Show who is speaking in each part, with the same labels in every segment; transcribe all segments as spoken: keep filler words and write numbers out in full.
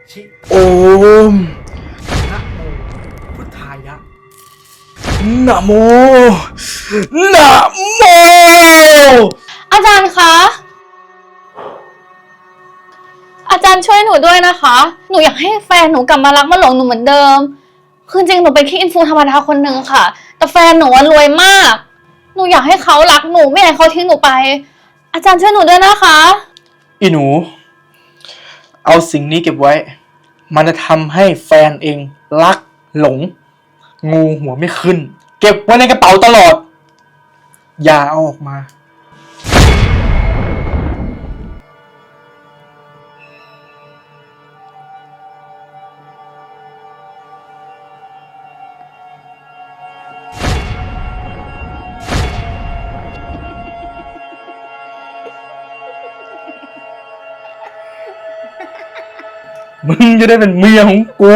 Speaker 1: ชิ
Speaker 2: โอม
Speaker 1: นะโมพุทธายะ
Speaker 2: นะโมนะโม
Speaker 3: อาจารย์คะ อาจารย์ช่วยหนูด้วยนะคะ หนูอยากให้แฟนหนูกลับมารักมาหลงหนูเหมือนเดิม คือจริงหนูเป็นแค่อินฟูธรรมดาคนหนึ่งค่ะ แต่แฟนหนูรวยมาก หนูอยากให้เขารักหนูไม่อยากให้เขาทิ้งหนูไป อาจารย์ช่วยหนูด้วยนะคะ
Speaker 2: อีหนูเอาสิ่งนี้เก็บไว้มันจะทำให้แฟนเองรักหลงงูหัวไม่ขึ้นเก็บไว้ในกระเป๋าตลอดอย่าเอาออกมามึงจะได้เป็นเมียของกู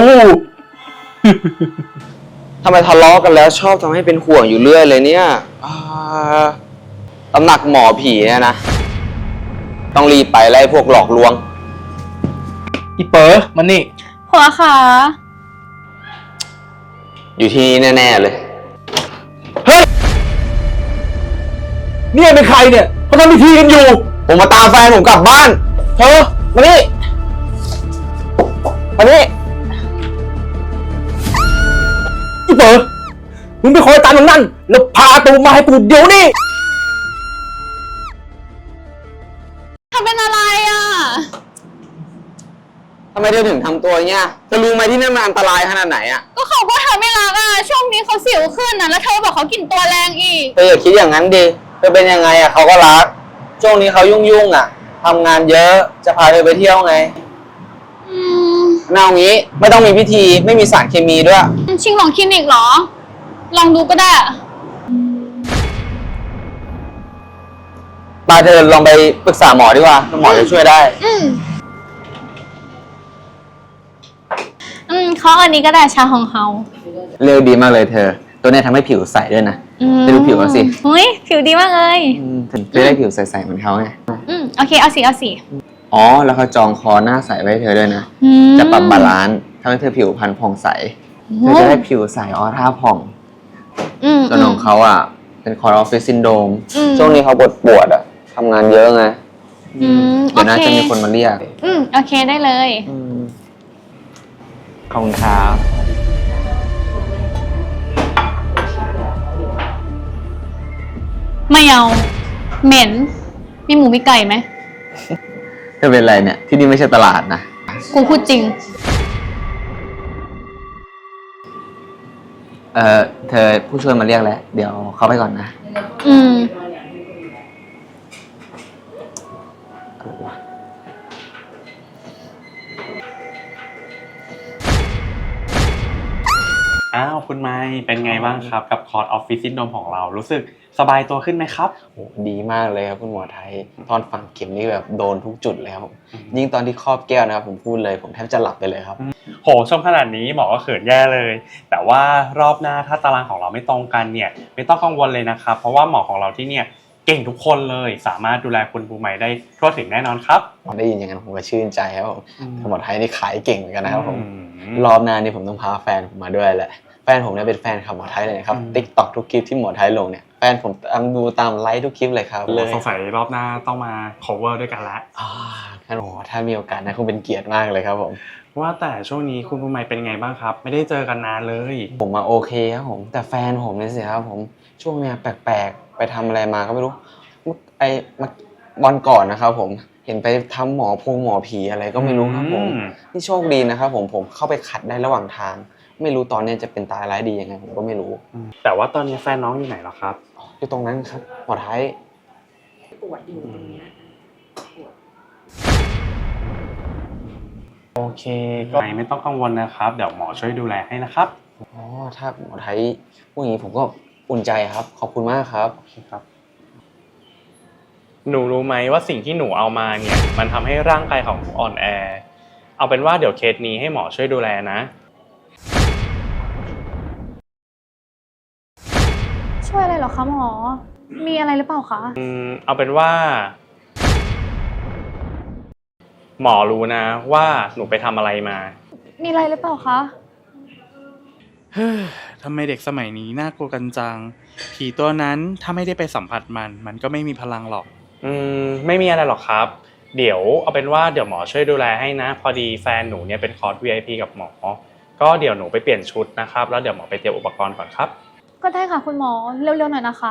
Speaker 4: ทำไมทะเลาะกันแล้วชอบทำให้เป็นห่วงอยู่เรื่อยเลยเนี่ยตำหนักหมอผีเนี่ยนะ ต้องรีบไปไล่พวกหลอกลวง
Speaker 2: อีเป๋อมันนี่
Speaker 3: หัวขา
Speaker 4: อยู่ที่นี่แน่ๆเลย
Speaker 2: เฮ้ยเนี่ยเป็นใครเนี่ยเขาทำพิธีกันอยู่
Speaker 4: ผมมาตามแฟนผมกลับบ้าน
Speaker 2: เธอมานี่มานี่อีเป๋อมึงไปคอยตามตรงนั้นแล้วพาตูมาให้กูเดี๋ยวนี้
Speaker 3: ทำเป็นอะไรอ่ะ
Speaker 4: ทำไมเธอถึงทำตัวเงี้ยเธอรู้ไหมที่นั่นมันอันตรายขนาดไหนอ่ะ
Speaker 3: ก็เขาก็ทำไม่รักอ่ะ ช่วงนี้เขาสิวขึ้นนะแล้วเธอบอกเขากินตัวแรงอีก
Speaker 4: เธออย่าคิดอย่างนั้นดิเธอเป็นยังไงอ่ะเขาก็รัก ช่วงนี้เขายุ่งๆอ่ะทำงานเยอะจะพาเธอไปเที่ยวไง
Speaker 3: อืม
Speaker 4: น่าเอางี้ไม่ต้องมีพิธีไม่มีสารเคมีด้วย
Speaker 3: ชิงหลงคลินิกเหรอ ลองดูก็ได้
Speaker 4: มาเธอลองไปปรึกษาหมอดีกว่าหมอจะช่วยได้
Speaker 3: อืม อืมเขาอันนี้ก็ได้ชาของเขา
Speaker 4: เร็วดีมากเลยเธอ ตัวนี้ทำให้ผิวใสด้วยนะไปดูผิวเขาสิ
Speaker 3: อุ้ยผิวดีมากเลย
Speaker 4: ถึงจะได้ผิวใสๆเหมือนเขาไง
Speaker 3: อืม โอเค เอาสิ เอาสิ
Speaker 4: อ๋อ แล้วเขาจองคอหน้าใสไว้ให้เธอด้วยนะ
Speaker 3: อืม
Speaker 4: จะปรับบาลานซ์ทำให้เธอผิวพรรณผ่องใส เธอจะได้ผิวใสออร่าผ่อง
Speaker 3: อืม
Speaker 4: ส่วนของเขาอ่ะ เป็นคอร์ออฟฟิศซินโดรม
Speaker 3: อืม
Speaker 4: ช่วงนี้เขาปวดปวดๆอ่ะทำงานเยอะไง
Speaker 3: อืม
Speaker 4: เดี๋ยวน่า
Speaker 3: โอเค
Speaker 4: จะมีคนมาเรียก
Speaker 3: อืม โอเคได้เลย
Speaker 4: ขอบคุณครับ
Speaker 3: ไม่เอา เหม็น มีหมูมีไก่ไหม
Speaker 4: เธอเป็นไรเนี่ย ที่นี่ไม่ใช่ตลาดนะ
Speaker 3: กูพูดจริง
Speaker 4: เออเธอผู้ช่วยมาเรียกแล้ว เดี๋ยวเข้าไปก่อนนะ
Speaker 3: อืม
Speaker 1: อ้าวคุณไม้เป็นไงบ้างครับกับคอร์สออฟฟิศซินโดรมของเรารู้สึกสบายตัวขึ้นไหมครับ
Speaker 4: โอ้ดีมากเลยครับคุณหมอไทยตอนฝังเข็มนี่แบบโดนทุกจุดเลยครับยิ่งตอนที่ครอบแก้วนะครับผมพูดเลยผมแทบจะหลับไปเลยครับ
Speaker 1: โหชมขนาดนี้หมอก็เขินแย่เลย แต่ว่ารอบหน้าถ้าตารางของเราไม่ตรงกันเนี่ยไม่ต้องกังวลเลยนะครับเพราะว่าหมอของเราที่เนี่ยเก่งทุกคนเลยสามารถดูแลคุณปูใหม่ได้ทั่วถึงแน่นอนครับ
Speaker 4: พอได้ยินอย่างนั้นผมก็ชื่นใจครับผมคุณหมอไทยนี่ขายเก่งเหมือนกันนะครับผม
Speaker 1: อืม
Speaker 4: รอบหน้านี่ผมต้องพาแฟนผมมาด้วยแหละแฟนผมเนี่ยเป็นแฟนคลับหมอไทยเลยนะครับ
Speaker 1: อืม
Speaker 4: ติ๊กต็อกทุกคลิปที่หมอไทยลงเนี่ยแฟนผมตามดูตามไลค์ทุกคลิปเลยครับเลย
Speaker 1: สงสัยรอบหน้าต้องมา cover ด้วยกันละ
Speaker 4: อ่าครับโอ้ถ้ามีโอกาสนะคงเป็นเกียรติมากเลยครับผม
Speaker 1: ว่าแต่ช่วงนี้คุณปูใหม่เป็นไงบ้างครับไม่ได้เจอกันนานเลย
Speaker 4: ผมมาโอเคครับผมแต่แฟนผมเนี่ยสิครับผมช่วงเนี้ยแปลกๆไปทำอะไรมาก็ไม่รู้ไอ้วันก่อนนะครับผมเห็นไปทำหมอพงหมอผีอะไรก็ไม่รู้ครับผม
Speaker 1: อืม
Speaker 4: นี่โชคดีนะครับผมผมเข้าไปขัดได้ระหว่างทาง ไม่รู้ตอนนี้จะเป็นตายร้ายดียังไงผมก็ไม่รู้
Speaker 1: แต่ว่าตอนนี้แฟนน้องอยู่ไหนแล้วครับ
Speaker 4: อยู่ตรงนั้นครับหมอไทย
Speaker 5: ปวดอยู่ตรงเนี้ยปวด
Speaker 1: โอเคก็ไม่ต้องกังวลนะครับเดี๋ยวหมอช่วยดูแลให้นะครับ
Speaker 4: อ๋อถ้าหมอไทยพูดอย่างนี้ผมก็อุ่นใจครับขอบคุณมากครับ
Speaker 1: โอเคครับหนูรู้ไหมว่าสิ่งที่หนูเอามาเนี่ยมันทำให้ร่างกายของหนูอ่อนแอเอาเป็นว่าเดี๋ยวเคสนี้ให้หมอช่วยดูแลนะ
Speaker 3: ช่วยอะไรเหรอคะหมอ มีอะไรหรือเปล่าคะ
Speaker 1: อืมเอาเป็นว่าหมอรู้นะว่าหนูไปทำอะไรมา
Speaker 3: มีอะไรหรือเปล่าคะ
Speaker 2: เฮ้อทำไมเด็กสมัยนี้น่ากลัวกันจัง ผีตัวนั้นถ้าไม่ได้ไปสัมผัสมัน มันก็ไม่มีพลังหรอก
Speaker 1: อืมไม่มีอะไรหรอกครับ เดี๋ยวเอาเป็นว่าเดี๋ยวหมอช่วยดูแลให้นะ พอดีแฟนหนูเนี่ยเป็นคอร์ส วี ไอ พี กับหมอ ก็เดี๋ยวหนูไปเปลี่ยนชุดนะครับแล้วเดี๋ยวหมอไปเตรียมอุปกรณ์ก่อนครับ
Speaker 3: ก็ได้ค่ะคุณหมอ เร็วๆหน่อยนะคะ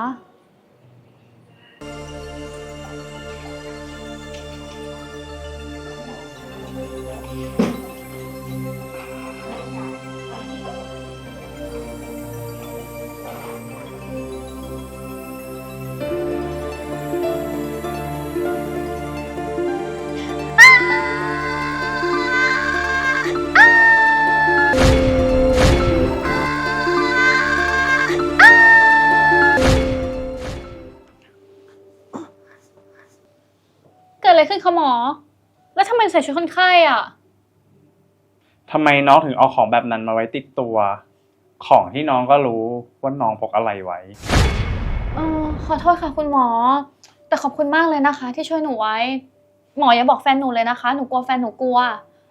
Speaker 3: เกิดอะไรขึ้นคะหมอ แล้วทำไมใส่ชุดคนไข้อ่ะ
Speaker 1: ทำไมน้องถึงเอาของแบบนั้นมาไว้ติดตัว ของที่น้องก็รู้ว่าน้องพกอะไรไว้
Speaker 3: เออขอโทษค่ะคุณหมอ แต่ขอบคุณมากเลยนะคะ ที่ช่วยหนูไว้ หมออย่าบอกแฟนหนูเลยนะคะ หนูกลัวแฟนหนูกลัว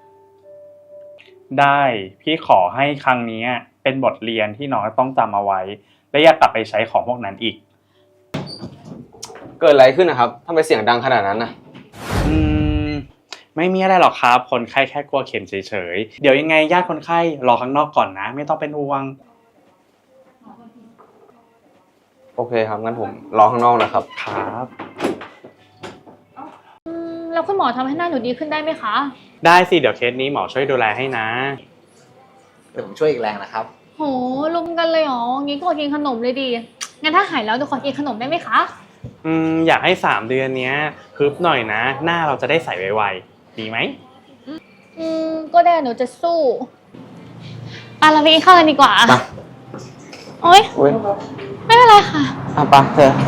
Speaker 1: ได้พี่ขอให้ครั้งนี้เป็นบทเรียนที่น้องต้องจำเอาไว้ และอย่ากลับไปใช้ของพวกนั้นอีก
Speaker 4: เกิดอะไรขึ้นนะครับทำไมเสียงดังขนาดนั้นนะ
Speaker 1: อืมไม่มีอะไรหรอกครับ คนไข้แค่กลัวเข็มเฉยๆ เดี๋ยวยังไงญาติคนไข้รอข้างนอกก่อนนะ ไม่ต้องเป็นห่วง
Speaker 4: โอเคครับงั้นผมรอข้างนอกนะครับ
Speaker 1: ครับ
Speaker 3: แล้วคุณหมอทำให้หน้าหนูดีขึ้นได้ไหมคะ
Speaker 1: ได้สิเดี๋ยวเคสนี้หมอช่วยดูแลให้นะ
Speaker 6: เดี๋ยวผมช่วยอีกแรงนะครับ
Speaker 3: โหลุมกันเลยเหรอ งี้ก็อดกินขนมเลยดี งั้นถ้าหายแล้วหนูขอกินขนมได้ไหมคะ
Speaker 1: อืมอยากให้สามเดือนเนี้ยฮึบหน่อยนะ หน้าเราจะได้ใสไวๆดีไหม
Speaker 3: อืม ก็ได้หนูจะสู้อ่ะเราไปกินข้าวกันดีกว่า
Speaker 4: ไป
Speaker 3: โอ๊ย
Speaker 4: อุ้ย
Speaker 3: ไม่เป็นไรค่ะ
Speaker 4: อ่ะไปเธอ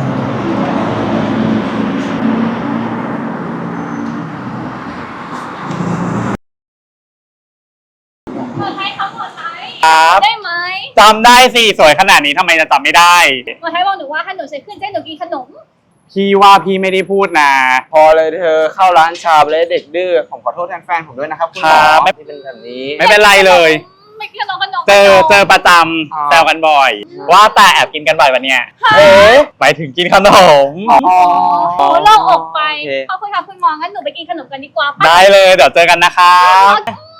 Speaker 3: หมอไทยครับหมอไทย
Speaker 1: ครับ
Speaker 3: ได้ไหม
Speaker 1: จำได้สิสวยขนาดนี้ทำไมจะจำไม่ได้
Speaker 3: หมอไทยบอกหนูว่าถ้าหนูใส่ขึ้นเส้นหนูกินขนม
Speaker 1: พี่ว่าพี่ไม่ได้พูดนะ
Speaker 4: พอเลยเธอเข้าร้านชาเลยเด็กดื้อผมขอโทษแทนแฟนผมด้วยนะครับคุณหมอ
Speaker 1: ครับไม่
Speaker 4: ที่เป็นแบบนี้
Speaker 1: ไม่เป็นไรเลย
Speaker 3: ไม่กินขนมขนม
Speaker 1: เจอ
Speaker 3: ขนม
Speaker 1: เจอประจ
Speaker 4: อ๋อ
Speaker 1: ำแซวกันบ่อย ว่าแต่แอบกินกันบ่อยวันเนี้ย
Speaker 4: เอ๊ะ
Speaker 1: หมายถึงกินขนม
Speaker 4: อ๋อ
Speaker 3: โอ้โล่งอกไป
Speaker 4: โอเค
Speaker 3: ขอบคุณค่ะคุณหมอ งั้นหนูไปกินขนมกันดีกว่าปะ
Speaker 1: ได้เลยเดี๋ยวเจอกันนะครับ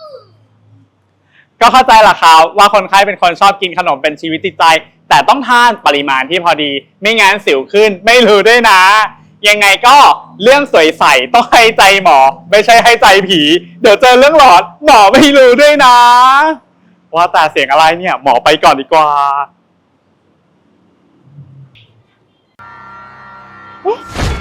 Speaker 1: ก็เข้าใจแหละครับว่าคนไข้เป็นคนชอบกินขนมเป็นชีวิตจิตใจ แต่ต้องทานปริมาณที่พอดี ไม่งั้นสิวขึ้นไม่รู้ด้วยนะ ยังไงก็เรื่องสวยใสต้องให้ใจหมอ ไม่ใช่ให้ใจผี เดี๋ยวเจอเรื่องหลอนหมอไม่รู้ด้วยนะ ว่าแต่เสียงอะไรเนี่ยหมอไปก่อนดีกว่า
Speaker 3: เ